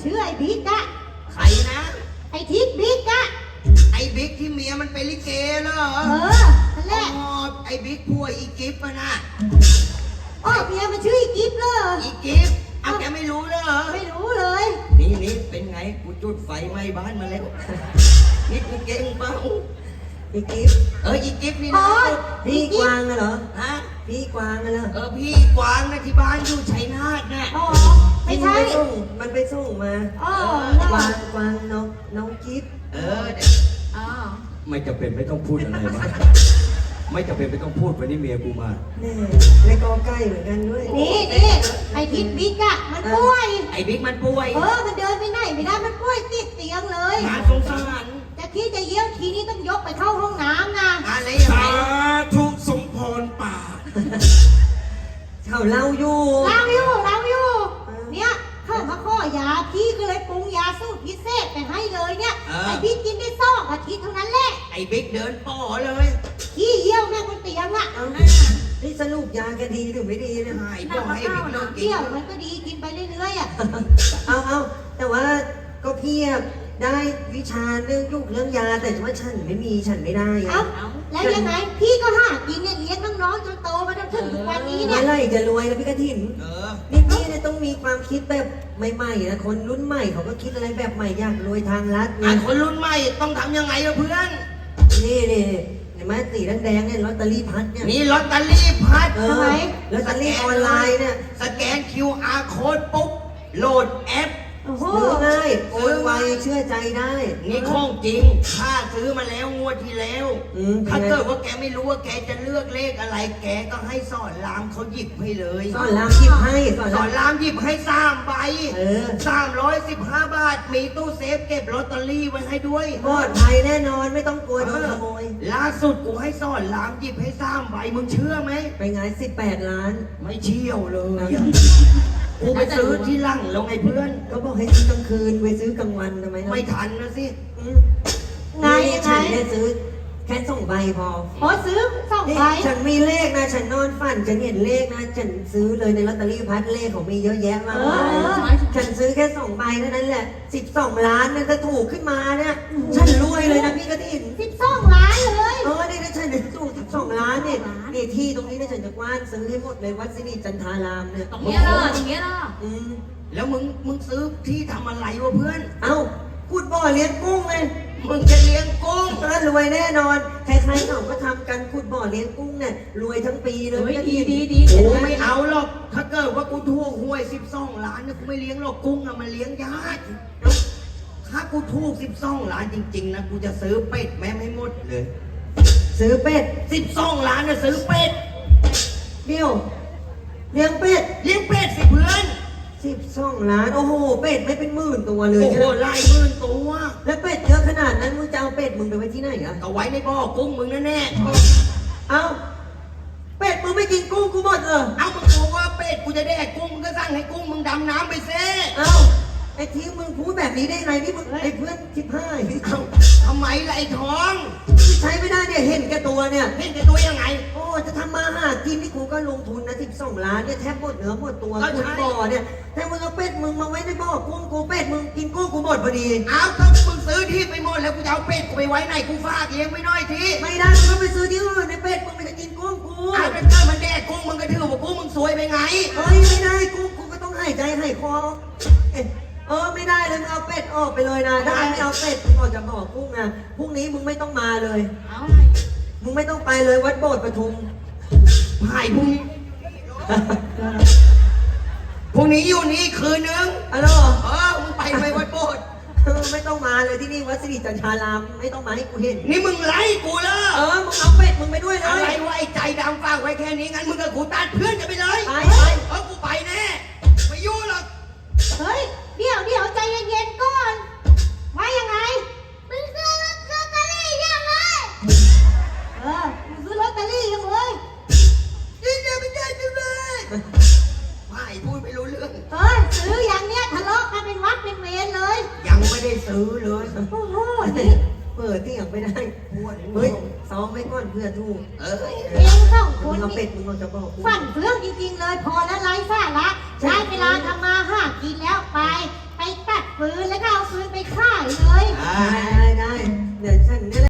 ชื่อไอ้บิ๊กอะใครนะไอ้ทิศบิ๊กอะไอ้บิ๊กที่เมียมันเป็นลิเกเหรอนั่นแหละไอ้บิ๊กผัวอีกิฟต์นะเมียมันชื่ออีกิฟต์เลยอีกิฟต์เอาแกไม่รู้เหรอไม่รู้เลยนี่เป็นไงกูจุดไฟไหม้บ้านมาแล้วนี่กูเก่งเปล่าอีกิฟอีกิฟนี่นะพี่กวางเหรอฮะพี่กวางเหรอพี่กวางนะที่บ้านอยู่ชัยนาทนะไม่ใช่มันไปส่งมากวางน้องกิฟไม่จำเป็นไม่ต้องพูดอะไรมากไม่จำเป็นไม่ต้องพูดวันนี้เมียกูมานี่ในกอใกล้เหมือนกันด้วยนี่ไอ้ทิศบิ๊กอะมันป่วยไอ้บิ๊กมันป่วยมันเดินไม่ได้มันป่วยติดเตียงเลยน่าสงสารจะคิดจะเยี่ยวทีนี้ต้องยกไปเข้าห้องน้ำนะอะไรอย่างไรทุกสมพรป่าเขาเล่าอยู่เนี่ยเข้ามาข้อยาพี่ก็เลยปรุงยาสูตรพิเศษไปให้เลยเนี่ยไอ้บิ๊กกินได้2 อาทิตย์เท่านั้นแหละไอ้บิ๊กเดินป่อเลยขี้เยี่ยวแม่บนเตียงอะนี่สรุปยาแกดีหรือไม่ดีเนี่ยหายบอกให้บิ๊กเลิกกินเยี่ยวมันก็ดีกินไปเรื่อยๆอะเอาแต่ว่าก็พี่ได้วิชาเรื่องยุกเรื่องยาแต่ว่าฉันไม่ได้แล้วยังไงพี่ก็หากินเนี่ยเลี้ยงน้องๆจนโตมาจนถึงทุกวันนี้เนี่ยเมื่อไหร่จะรวยแล้วพี่กฐินนี่พี่เนี่ยต้องมีความคิดแบบใหม่ๆนะคนรุ่นใหม่เขาก็คิดอะไรแบบใหม่อยากรวยทางลัดคนรุ่นใหม่ต้องทำยังไงล่ะเพื่อนนี่เห็นไหมสีแดงเนี่ยลอตเตอรี่พัดเนี่ยนี่ลอตเตอรี่พัดทำไมลอตเตอรี่ออนไลน์เนี่ยสแกน QR Code ปุ๊บโหลดแอปซื้อง่ายโอนไวเชื่อใจได้นี่ของจริงข้าซื้อมาแล้วงวดที่แล้วถ้าเกิดว่าแกไม่รู้ว่าแกจะเลือกเลขอะไรแกก็ให้สอนรามเขาหยิบให้เลยสอนรามหยิบให้สอนรามหยิบให้3 ใบ315 บาทมีตู้เซฟเก็บลอตเตอรี่ไว้ให้ด้วยปลอดภัยแน่นอนไม่ต้องกลัวโดนขโมยล่าสุดกูให้สอนรามหยิบให้3 ใบมึงเชื่อไหมไปไง18 ล้านไม่เชี่ยวเลยกูไปซื้อที่ลั่งแล้วไงเพื่อนก็บอกให้ซื้อกลางคืนไปซื้อกลางวันทำไมไม่ทันนะสิไงฉันได้ซื้อแค่2 ใบพอซื้อ2 ใบฉันมีเลขนะฉันนอนฝันฉันเห็นเลขนะฉันซื้อเลยในลอตเตอรี่พัดเลขของมีเยอะแยะมากมายฉันซื้อแค่2 ใบเท่านั้นแหละ12 ล้านนั่นถ้าถูกขึ้นมาเนี่ยฉันรวยเลยนะพี่กฐิน 12 ล้านเลยนี่นะฉันถูก12 ล้านเนี่ยนี่ที่ตรงนี้นะฉันจะกว้านซื้อให้หมดเลยวัดสิริจันทารามเนี่ยตรงนี้ล่ะอย่างเงี้ยล่ะแล้วมึงซื้อที่ทำอะไรวะเพื่อนขุดบ่อเลี้ยงกุ้งเลยมึงจะเลี้ยงกุ้งรวยแน่นอนใครๆเขาก็ทำกันขุดบ่อเลี้ยงกุ้งเนี่ยรวยทั้งปีเลยดีกูไม่เอาหรอกถ้าเกิดว่ากูถูกหวย12 ล้านเนี่ยกูไม่เลี้ยงหรอกกุ้งอะมันเลี้ยงยากถ้ากูถูก12 ล้านจริงๆนะกูจะซื้อเป็ดแม่ไม่หมดเลยซื้อเป็ด 12 ล้านนะซื้อเป็ดเดี๋ยวเลี้ยงเป็ดสิเพื่อน 12 ล้านโอ้โหเป็ดไม่เป็นหมื่นตัวเลยโอ้โหหลายหมื่นตัวแล้วเป็ดเยอะขนาดนั้นมึงจะเอาเป็ดมึงไปไว้ที่ไหนอ่ะก็ไว้ในบ่อกุ้งมึงแน่เป็ดมึงไม่กินกุ้งกูหมดเหรอมึงบอกว่าเป็ดกูจะได้กุ้งมึงก็สั่งให้กุ้งมึงดำน้ำไปเซ่ไอ้ที่มึงพูดแบบนี้ได้ไงนี่มึงไอ้เพื่อนทำไมล่ะไอ้ทองใช้ไม่ได้เนี่ยเห็นแก่ตัวเนี่ยเห็นแก่ตัวยังไงจะทำมาหากินนี่กูก็ลงทุนนะ12 ล้านเนี่ยแทบหมดเนื้อหมดตัวคุณบ่อเนี่ยแต่มึงเอาเป็ดมึงมาไว้ในบ่อกุ้งกูเป็ดมึงกินกุ้งกูหมดพอดีถ้ามึงซื้อที่ไปหมดแล้วกูจะเอาเป็ดกูไปไว้ไหนกูฝากเลี้ยงไว้น้อยทีไม่ได้มึงต้องไปซื้อที่อื่นในเป็ดมึงไม่จะกินกุ้งกูแต่เกิดมันแดกกุ้งมึงก็ถือว่ากุ้งมึงสวยไปไงไม่ได้กุ้งกูก็ต้องให้ใจให้คอไม่ได้เลยมึงเอาเป็ดออกไปเลยนะถ้าไม่เอาเป็ดมึงออกจากบ่อกุ้งนะพรุ่งนี้มึงไม่ต้องมาเลยมึงไม่ต้องไปเลยวัดโบสถ์ปทุมหายพรุ่งนี้อยู่นี่คืนนึงมึงไปวัดโบสถ์ไม่ต้องมาเลยที่นี่วัดสิริจันทารามไม่ต้องมาให้กูเห็นนี่มึงไล่กูเลยมึงเอาเป็ดมึงไปด้วยเลยอะไรวะไอ้ใจดำฝากไว้แค่นี้งั้นมึงกับกูตัดเพื่อนกันไปเลยกูไปแน่ไม่ยุ่งหรอกเฮ้ยเดี๋ยวใจเย็นๆก่อนว่ายังไงมึงซื้อลอตเตอรี่ยังไงมึงซื้อลอตเตอรี่ยังเลยนี่จะไม่ได้จังเลยไม่พูดไม่รู้เรื่องซื้ออย่างเนี้ยทะเลาะกันเป็นวัดเป็นเวรเลยยังไม่ได้ซื้อเลยโอ้โหนี่เปิดที่ยังไม่ได้เฮ้ยซ้อมไม่ก่อนเพื่อทูกเอง2 คนเอาเป็ดมึงเอาจะบอกฝันเรื่องจริงๆเลยพอแล้ว